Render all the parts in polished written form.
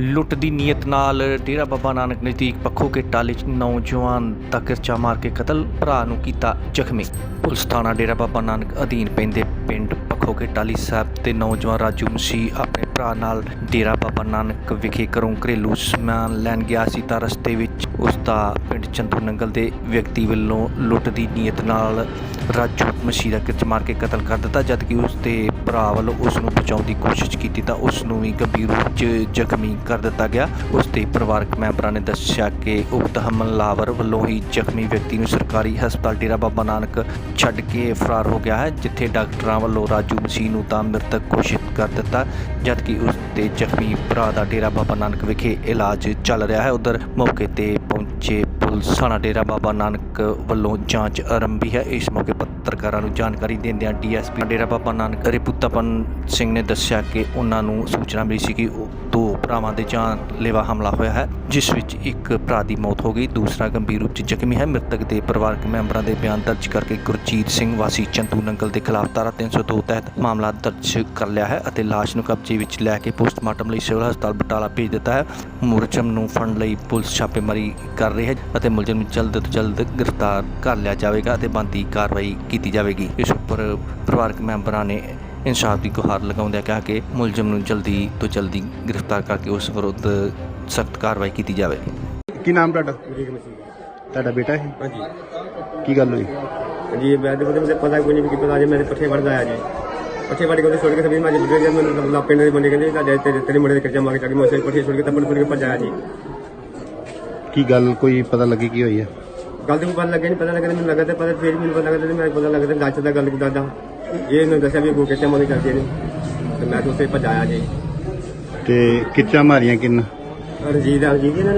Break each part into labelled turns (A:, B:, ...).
A: ਲੁੱਟ ਦੀ ਨੀਅਤ ਨਾਲ ਡੇਰਾ ਬਾਬਾ ਨਾਨਕ ਨਜ਼ਦੀਕ ਪੱਖੋ ਕੇ ਟਾਲੇ 'ਚ ਨੌਜਵਾਨ ਦਾ ਕਿਰਚਾ ਮਾਰ ਕੇ ਕਤਲ, ਭਰਾ ਨੂੰ ਕੀਤਾ ਜ਼ਖਮੀ। ਪੁਲਿਸ ਥਾਣਾ ਡੇਰਾ ਬਾਬਾ ਨਾਨਕ ਅਧੀਨ ਪੈਂਦੇ ਪਿੰਡ ਪੱਖੋ ਕੇ ਟਾਲੀ ਸਾਹਿਬ ਤੇ ਨੌਜਵਾਨ ਰਾਜੂ ਮਸੀਹ ਆਪਣੇ ਭਰਾ ਨਾਲ ਡੇਰਾ ਬਾਬਾ ਨਾਨਕ ਵਿਖੇ ਘਰੋਂ ਘਰੇਲੂ ਸਮਾਨ ਲੈਣ ਗਿਆ ਸੀ ਤਾਂ ਰਸਤੇ ਵਿੱਚ ਉਸ ਦਾ ਪਿੰਡ ਚੰਦੂ ਨੰਗਲ ਦੇ ਵਿਅਕਤੀ ਵੱਲੋਂ ਲੁੱਟ ਦੀ ਨੀਅਤ ਨਾਲ ਰਾਜੂ ਮਸੀਹ ਦਾ ਕਿਰਚ ਮਾਰ ਕੇ ਕਤਲ ਕਰ ਦਿੱਤਾ। ਜਦਕਿ ਉਸ ਦੇ ਭਰਾ ਵੱਲੋਂ ਉਸ ਨੂੰ ਬਚਾਉਣ ਦੀ ਕੋਸ਼ਿਸ਼ ਕੀਤੀ ਤਾਂ ਉਸ ਨੂੰ ਵੀ ਗੰਭੀਰ ਰੂਪ 'ਚ ਜ਼ਖਮੀ ਕਰ ਦਿੱਤਾ ਗਿਆ। ਉਸ ਦੇ ਪਰਿਵਾਰਕ ਮੈਂਬਰਾਂ ਨੇ ਦੱਸਿਆ ਕਿ ਉਕਤ ਹਮਲਾਵਰ ਵੱਲੋਂ ਹੀ ਜ਼ਖਮੀ ਵਿਅਕਤੀ ਨੂੰ ਸਰਕਾਰੀ ਹਸਪਤਾਲ ਡੇਰਾ ਬਾਬਾ ਨਾਨਕ ਛੱਡ ਕੇ ਫਰਾਰ ਹੋ ਗਿਆ ਹੈ, ਜਿੱਥੇ ਡਾਕਟਰਾਂ ਵੱਲੋਂ ਰਾਜੂ ਮਸੀਹ ਨੂੰ ਤਾਂ ਮ੍ਰਿਤਕ ਘੋਸ਼ਿਤ ਕਰ ਦਿੱਤਾ, ਜਦਕਿ ਉਸ ਦੇ ਜ਼ਖਮੀ ਭਰਾ ਦਾ ਡੇਰਾ ਬਾਬਾ ਨਾਨਕ ਵਿਖੇ ਇਲਾਜ ਚੱਲ ਰਿਹਾ ਹੈ। ਉਧਰ ਮੌਕੇ ਤੇ ਪਹੁੰਚੇ ਪੁਲਿਸ ਥਾਣਾ ਡੇਰਾ ਬਾਬਾ ਨਾਨਕ ਵੱਲੋਂ ਜਾਂਚ ਆਰੰਭੀ ਹੈ। ਇਸ ਮੌਕੇ ਪੱਤਰਕਾਰਾਂ ਨੂੰ ਜਾਣਕਾਰੀ ਦਿੰਦਿਆਂ ਡੀਐਸਪੀ ਡੇਰਾ ਬਾਬਾ ਨਾਨਕ ਰਿਪੂਤਪਨ ਸਿੰਘ ਨੇ ਦੱਸਿਆ ਕਿ ਉਹਨਾਂ ਨੂੰ ਸੂਚਨਾ ਮਿਲੀ ਸੀ ਕਿ ਦੋ ਭਰਾਵਾਂ ਦੇ ਜਾਨਲੇਵਾ ਹਮਲਾ ਹੋਇਆ ਹੈ, ਜਿਸ ਵਿੱਚ ਇੱਕ ਭਰਾ ਦੀ ਮੌਤ ਹੋ ਗਈ, ਦੂਸਰਾ ਗੰਭੀਰ ਰੂਪ 'ਚ ਜ਼ਖਮੀ ਹੈ। ਮ੍ਰਿਤਕ ਦੇ ਪਰਿਵਾਰਕ ਮੈਂਬਰਾਂ ਦੇ ਬਿਆਨ ਦਰਜ ਕਰਕੇ ਗੁਰਜੀਤ ਸਿੰਘ ਵਾਸੀ ਚੰਦੂ ਨੰਗਲ ਦੇ ਖਿਲਾਫ ਧਾਰਾ 302 ਤਹਿਤ ਮਾਮਲਾ ਦਰਜ ਕਰ ਲਿਆ ਹੈ ਅਤੇ ਲਾਸ਼ ਨੂੰ ਕਬਜ਼ੇ ਵਿੱਚ ਲੈ ਕੇ ਪੋਸਟਮਾਰਟਮ ਲਈ ਸਿਵਲ ਹਸਪਤਾਲ ਬਟਾਲਾ ਭੇਜ ਦਿੱਤਾ ਹੈ। ਮੁਲਜ਼ਮ ਨੂੰ ਫੜਨ ਲਈ ਪੁਲਿਸ ਛਾਪੇਮਾਰੀ ਕਰ ਰਹੀ ਹੈ ਅਤੇ ਮੁਲਜ਼ਮ ਨੂੰ ਜਲਦ ਤੋਂ ਜਲਦ ਗ੍ਰਿਫਤਾਰ ਕਰ ਲਿਆ ਜਾਵੇਗਾ ਅਤੇ ਬਣਦੀ ਕਾਰਵਾਈ ਕੀਤੀ ਜਾਵੇਗੀ। ਇਸ ਉੱਪਰ ਪਰਿਵਾਰਕ ਮੈਂਬਰਾਂ ਨੇ ਇਨਸਾਫ ਦੀ ਗੁਹਾਰ ਲਗਾਉਂਦਿਆਂ ਕਿਹਾ ਕਿ ਮੁਲਜ਼ਮ ਨੂੰ ਜਲਦੀ ਤੋਂ ਜਲਦੀ ਗ੍ਰਿਫਤਾਰ ਕਰਕੇ ਉਸ ਵਿਰੁੱਧ ਸਖਤ ਕਾਰਵਾਈ ਕੀਤੀ ਜਾਵੇ।
B: ਕੀ ਨਾਮ ਤੁਹਾਡਾ? ਤੁਹਾਡਾ ਬੇਟਾ ਹੈ?
C: ਹਾਂਜੀ
B: ਕੀ ਗੱਲ ਹੋਈ?
C: जी मैं तो मुझे पता कोई नहीं कि पता जी मेरे पट्ठे बढ़ गया जी पट्ठे बढ़ के छोड़ के सभी मैं मैंने पिंड बने गए तेरे मुंडे कर्जा मांगे ताकि मैं पट्ठे छोड़ के तब छोड़ के भजाया जी।
B: की गल कोई पता लगी की हुई है?
C: गल तो पता लगे नहीं, पता लगे मैंने लगा पता फिर मैंने पता लगा मैं पता लगा गच का गल दादा ये दसा भी अगू कर्जा मांगे करते हैं तो मैं तो उसे भजाया जी।
B: ते किच्चा मारियां किन?
C: रंजीत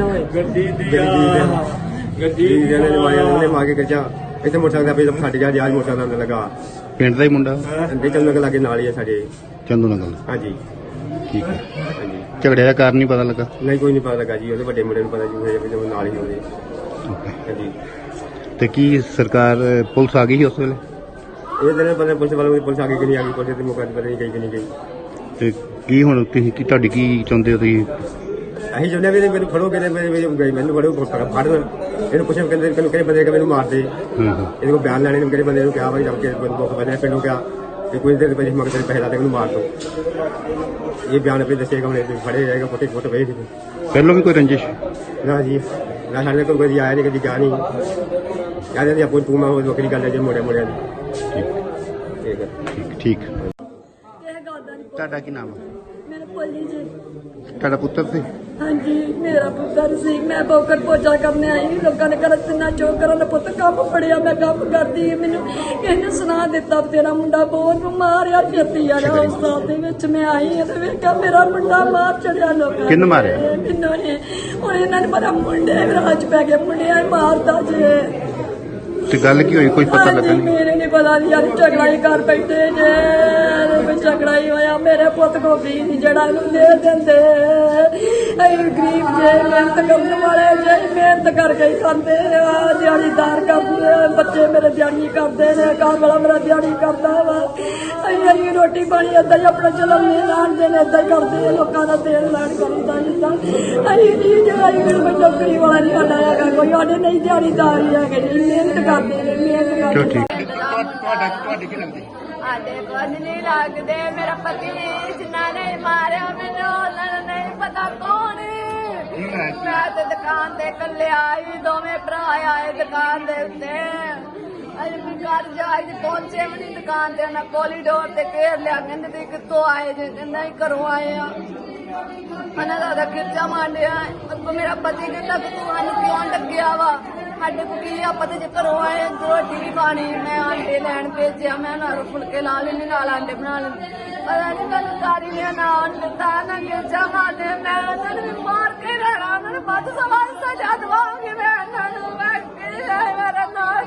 C: मार के कर्जा इतने मोटरसाइकिल पे फट गया जी। आज मोटरसाइकिल लगा
B: पिंड दा ही मुंडा?
C: चंदू नंगल लागे नाल ही है साडे
B: चंदू नंगल।
C: हाँ जी
B: ठीक है।
C: हाँ जी
B: झगड़े का कारण नहीं पता लगा?
C: नहीं कोई नहीं पता लगा जी, ਉਹਦੇ ਵੱਡੇ ਮੁੰਡੇ ਨੂੰ ਪਤਾ ਜੀ ਉਹ ਨਾਲ ਹੀ ਹੋਵੇ।
B: ओके।
C: ਹਾਂਜੀ
B: ਤੇ ਕੀ ਸਰਕਾਰ ਪੁਲਿਸ ਆ ਗਈ ਉਸ ਵੇਲੇ?
C: ਇਹ ਦਿਨ ਪਤਾ ਪੁਲਿਸ ਵਾਲਿਆਂ ਦੀ ਪੁਲਿਸ ਆ ਗਈ ਕਿ ਨਹੀਂ ਆ ਗਈ, ਪੁਲਿਸ ਦੇ ਮੌਕੇ ਤੇ ਪਤਾ ਨਹੀਂ ਗਈ ਕਿ ਨਹੀਂ ਗਈ।
B: ਤੇ ਕੀ ਹੁਣ ਤੁਸੀਂ ਕੀ ਤੁਹਾਡੀ ਕੀ ਚਾਹੁੰਦੇ ਹੋ ਤੁਸੀਂ?
C: ਅਸੀਂ ਚਾਹੁੰਦੇ ਵੀ ਮੈਨੂੰ ਫੜੋਗੇ ਤੇ ਮੈਨੂੰ ਫੜੋ ਫੜਨ ਇਹਨੂੰ ਪੁੱਛੇ ਕਹਿੰਦੇ ਕਿਹੜੇ ਬੰਦੇ ਕਿ ਮੈਨੂੰ ਮਾਰ ਦੇ। ਇਹਦੇ ਕੋਲ ਬਿਆਨ ਲੈਣੇ ਨੂੰ ਕਿਹੜੇ ਬੰਦੇ ਨੂੰ ਕਿਹਾ ਵਾ ਜਦ ਕਿ ਬੰਦੂਕ ਬੰਦੇ ਪਿੰਡੋਂ ਕਿਹਾ ਕਿ ਕੁਝ ਦੇਰ ਪਹਿਲੇ ਮਗਰ ਪੈਸੇ ਲਾ ਦੇ ਮੈਨੂੰ ਮਾਰ ਦੋ। ਇਹ ਬਿਆਨ ਆਪੇ ਦੱਸੇਗਾ, ਹੁਣ ਫੜੇ ਜਾਏਗਾ, ਫੋਟੇ ਫੋਟੋ ਵੇਖ
B: ਪਹਿਲਾਂ ਵੀ ਕੋਈ ਰੰਜਿਸ਼?
C: ਨਾ ਜੀ ਨਾ, ਸਾਡੇ ਕੋਲ ਕੋਈ ਆਇਆ ਨਹੀਂ, ਕਦੀ ਗਿਆ ਨਹੀਂ। ਕਹਿੰਦੇ ਜੀ ਆਪੋ ਤੂੰ ਮੈਂ ਵੱਖਰੀ ਗੱਲ ਹੈ ਜੀ ਮੁੰਡਿਆਂ ਦੀ। ਠੀਕ ਹੈ
B: ਠੀਕ।
D: ਇਹ ਗੱਲ ਦਾ ਨਹੀਂ।
B: ਤੁਹਾਡਾ ਕੀ ਨਾਮ ਹੈ?
D: ਮੇਰੇ ਭੋਲੀ ਜੀ।
B: ਤੁਹਾਡਾ ਪੁੱਤਰ ਸੀ?
D: ਹਾਂਜੀ ਮੇਰਾ ਪੁੱਤਰ ਸੀ। ਮੈਂ ਬੋਕਰ ਪੋਚਾ ਕਰਨੇ ਆਈ, ਲੋਕਾਂ ਨੇ ਕਰ ਤਿੰਨਾ ਚੋਕ ਕਰਨ ਪੁੱਤ ਕੰਮ ਫੜਿਆ, ਮੈਂ ਕੰਮ ਕਰਦੀ। ਮੈਨੂੰ ਕਿਸੇ ਨੇ ਸੁਣਾ ਦਿੱਤਾ ਤੇਰਾ ਮੁੰਡਾ ਬਹੁਤ ਮਾਰਿਆ, ਛੇਤੀ ਆ ਰਿਹਾ ਹਸਪਤਾਲ ਦੇ ਵਿੱਚ। ਮੈਂ ਆਈ ਤੇ ਵੇਖਿਆ ਮੇਰਾ ਮੁੰਡਾ ਮਾਰ ਚੜਿਆ ਲੋਕਾਂ।
B: ਕਿਹਨੇ ਮਾਰਿਆ?
D: ਮੈਨੂੰ ਨੇ। ਹੁਣ ਇਹਨਾਂ ਨੇ ਪਤਾ ਮੁੰਡੇ ਰਾਜ ਪੈ ਗਏ, ਮੁੰਡਿਆਂ ਮਾਰਦਾ ਜੇ।
B: ਤੇ ਗੱਲ ਕੀ ਹੋਈ ਕੋਈ ਪਤਾ ਲੱਗਾ ਨਹੀਂ?
D: ਮੇਰੇ ਨਹੀਂ ਪਤਾ ਨਹੀਂ ਯਾਰ, ਝਗੜਾ ਹੀ ਕਰ ਬੈਠੇ ਜੇ। ਝਗੜਾ ਹੀ ਹੋਇਆ, ਮੇਰੇ ਪੁੱਤ ਕੋ ਵੀ ਨਹੀਂ ਜਿਹੜਾ ਇਹਨੂੰ ਦੇ ਦਿੰਦੇ। ਅਸੀਂ ਗਰੀਬ ਜੇ, ਮਿਹਨਤ ਕਰਨ ਵਾਲੇ ਜੇ, ਮਿਹਨਤ ਕਰਕੇ ਹੀ ਖਾਂਦੇ ਆ, ਦਿਹਾੜੀਦਾਰ ਕਰਦੇ ਆ। ਬੱਚੇ ਮੇਰੇ ਦਿਹਾੜੀ ਕਰਦੇ ਨੇ, ਘਰ ਵਾਲਾ ਮੇਰਾ ਦਿਹਾੜੀ ਕਰਦਾ ਵਾ। ਅਸੀਂ ਰੋਟੀ ਪਾਣੀ ਏਦਾਂ ਹੀ ਆਪਣਾ ਚਲਾਉਂਦੇ ਲਾਣਦੇ ਨੇ, ਏਦਾਂ ਹੀ ਕਰਦੇ ਲੋਕਾਂ ਦਾ ਤੇਲ ਲੈਣ ਕਰੀਦਾ ਜਿੱਦਾਂ। ਅਸੀਂ ਨਹੀਂ ਜਿਹੜਾ ਕੋਈ ਨੌਕਰੀ ਵਾਲਾ ਨਹੀਂ ਸਾਡਾ ਹੈਗਾ, ਕੋਈ ਸਾਡੇ ਨਹੀਂ ਦਿਹਾੜੀਦਾਰ ਹੀ ਹੈਗੇ ਜੀ, ਮਿਹਨਤ ਕਰਦੇ ਨੇ, ਮਿਹਨਤ ਕਰਦੇ।
B: ਤੁਹਾਡੇ ਕੀ ਲੱਗਦੀ?
E: ਸਾਡੇ ਕੁਝ ਨਹੀਂ ਲੱਗਦੇ। ਮੇਰਾ ਪਤੀ ਜਿਨ੍ਹਾਂ ਨੇ ਮਾਰਿਆ ਮੈਨੂੰ ਉਹਨਾਂ ਨੂੰ ਨਹੀਂ ਪਤਾ ਕੌਣ। ਮੈਂ ਤੇ ਦੁਕਾਨ ਤੇ ਇਕੱਲੇ ਆਈ, ਦੋਵੇਂ ਭਰਾ ਆਏ ਦੁਕਾਨ ਦੇ ਉੱਤੇ। ਅਜੇ ਵੀ ਘਰ ਜਾ ਕੇ ਪਹੁੰਚੇ ਵੀ ਨਹੀਂ ਦੁਕਾਨ ਤੇ, ਉਹਨਾਂ ਕੋਰੀਡੋਰ ਤੇ ਘੇਰ ਲਿਆ। ਕਹਿੰਦੇ ਤੁਸੀਂ ਕਿੱਥੋਂ ਆਏ ਜੇ? ਕਹਿੰਦਾ ਅਸੀਂ ਘਰੋਂ ਆਏ ਆ। ਉਹਨਾਂ ਦਾ ਖਿਰਚਾ ਮਾਰਿਆ। ਅੱਗੋਂ ਮੇਰਾ ਪਤੀ ਕਹਿੰਦਾ ਕਿ ਤੂੰ ਸਾਨੂੰ ਕਿਉਂ ਡੱਕਿਆ ਵਾ? ਸਾਡੇ ਕੋਲ ਕੀ ਆਪਾਂ ਤੇ ਜੇ ਘਰੋਂ ਆਏ, ਰੋਟੀ ਵੀ ਖਾਣੀ। ਮੈਂ ਆਂਡੇ ਲੈਣ ਭੇਜਿਆ, ਮੈਂ ਨਾਲ ਫੁਲਕੇ ਲਾ ਲੈਣੇ, ਨਾਲ ਆਂਡੇ ਬਣਾ ਲੈਣੇ। ਪਤਾ ਨਹੀਂ ਮੈਨੂੰ ਸਾਰੀ ਨੇ ਨਾ ਦਿੱਤਾ ਨਾ ਖਿਰਚਾ ਮਾਰਦੇ। ਮੈਂ ਉਹਨਾਂ ਨੂੰ ਵੀ ਮਾਰ ਕੇ ਰਹਿਣਾ, ਉਹਨਾਂ ਨੂੰ ਵੱਧ ਸਵਾਲ ਸਜ਼ਾ ਦਵਾਂਗੀ ਮੈਂ ਉਹਨਾਂ ਨੂੰ। ਮੈਂ ਕੀ ਮੇਰਾ ਨਾਲ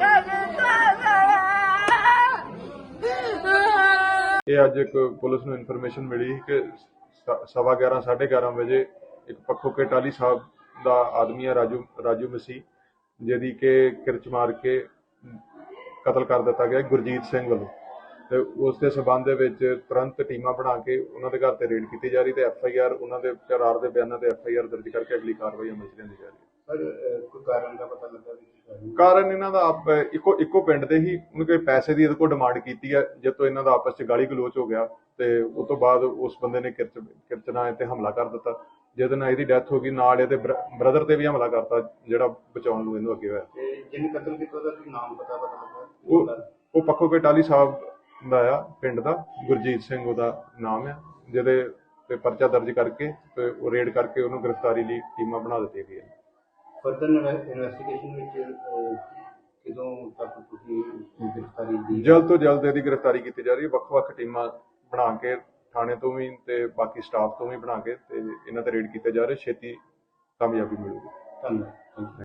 F: ਇਹ ਅੱਜ ਇੱਕ ਪੁਲਿਸ ਨੂੰ ਇਨਫੋਰਮੇਸ਼ਨ ਮਿਲੀ ਕਿ 11:15 11:30 ਵਜੇ ਇੱਕ ਪੱਖੋ ਕੇ ਟਾਲੀ ਸਾਹਿਬ ਦਾ ਆਦਮੀ ਹੈ ਰਾਜੂ ਮਸੀਹ, ਜਿਹਦੀ ਕਿ ਕਿਰਚ ਮਾਰ ਕੇ ਕਤਲ ਕਰ ਦਿੱਤਾ ਗਿਆ ਗੁਰਜੀਤ ਸਿੰਘ ਵੱਲੋਂ। ਤੇ ਉਸ ਦੇ ਸਬੰਧ ਦੇ ਵਿੱਚ ਤੁਰੰਤ ਟੀਮਾਂ ਬਣਾ ਕੇ ਉਹਨਾਂ ਦੇ ਘਰ ਤੇ ਰੇਡ ਕੀਤੀ ਜਾ ਰਹੀ ਤੇ FIR ਉਹਨਾਂ ਦੇ ਕਰਾਰ ਦੇ ਬਿਆਨਾਂ ਤੇ FIR ਦਰਜ ਕਰਕੇ ਅਗਲੀ ਕਾਰਵਾਈ ਅਮਲ 'ਚ ਲਿਆਂਦੀ ਜਾ ਰਹੀ ਹੈ।
B: ਕੋਈ ਕਾਰਨ ਦਾ ਪਤਾ ਲੱਗਾ ਵੀ
F: ਕਾਰਨ ਇਹਨਾਂ ਦਾ ਇੱਕੋ ਪਿੰਡ ਦੇ ਹੀ ਉਹਨੇ ਕੋਈ ਪੈਸੇ ਦੀ ਇਹਦੇ ਕੋਲ ਡਿਮਾਂਡ ਕੀਤੀ ਹੈ, ਜਦ ਤੋਂ ਇਹਨਾਂ ਦਾ ਆਪਸ 'ਚ ਗਾਲੀ ਗਲੋਚ ਹੋ ਗਿਆ ਤੇ ਉਸ ਤੋਂ ਬਾਅਦ ਉਸ ਬੰਦੇ ਨੇ ਕਿਰਚਨਾ ਤੇ ਹਮਲਾ ਕਰ ਦਿੱਤਾ, ਜਿਹਦੇ ਨਾਲ ਇਹਦੀ ਡੈਥ ਹੋ ਗਈ। ਨਾਲ ਇਹਦੇ ਬ੍ਰਦਰ ਤੇ ਵੀ ਹਮਲਾ ਕਰਤਾ ਜਿਹੜਾ ਬਚਾਉਣ ਨੂੰ ਇਹਨੂੰ ਅੱਗੇ ਹੋਇਆ।
B: ਤੇ ਜਿਹਨੇ ਕਤਲ ਕੀਤਾ ਉਹਦਾ ਕੀ ਨਾਮ ਪਤਾ ਲੱਗਾ?
F: ਉਹ ਪੱਖੋ ਕੇ ਟਾਹਲੀ ਸਾਹਿਬ ਦਾ ਆ ਪਿੰਡ ਦਾ, ਗੁਰਜੀਤ ਸਿੰਘ ਉਹਦਾ ਨਾਮ ਆ, ਜਿਹਦੇ ਤੇ ਪਰਚਾ ਦਰਜ ਕਰਕੇ ਤੇ ਉਹ ਰੇਡ ਕਰਕੇ ਉਹਨੂੰ ਗ੍ਰਿਫਤਾਰੀ ਲਈ ਟੀਮਾਂ ਬਣਾ ਦਿੱਤੀਆਂ ਗਈਆਂ।
B: ਫਰਦਰ ਇਨਵੈਸਟੀਗੇਸ਼ਨ ਵਿੱਚ ਕਦੋਂ ਤੱਕ ਤੁਸੀਂ ਗ੍ਰਿਫਤਾਰੀ ਦੀ?
F: ਜਲਦ ਤੋਂ ਜਲਦ ਇਹਦੀ ਗ੍ਰਿਫਤਾਰੀ ਕੀਤੀ ਜਾ ਰਹੀ ਹੈ। ਵੱਖ-ਵੱਖ ਟੀਮਾਂ ਬਣਾ ਕੇ ਥਾਣੇ ਤੋਂ ਵੀ ਤੇ ਬਾਕੀ ਸਟਾਫ ਤੋਂ ਵੀ ਬਣਾ ਕੇ ਤੇ ਇਹਨਾਂ ਤੇ ਰੇਡ ਕੀਤੇ ਜਾ ਰਹੇ, ਛੇਤੀ ਕਾਮਯਾਬੀ ਮਿਲੂਗੀ।
B: ਧੰਨਵਾਦ।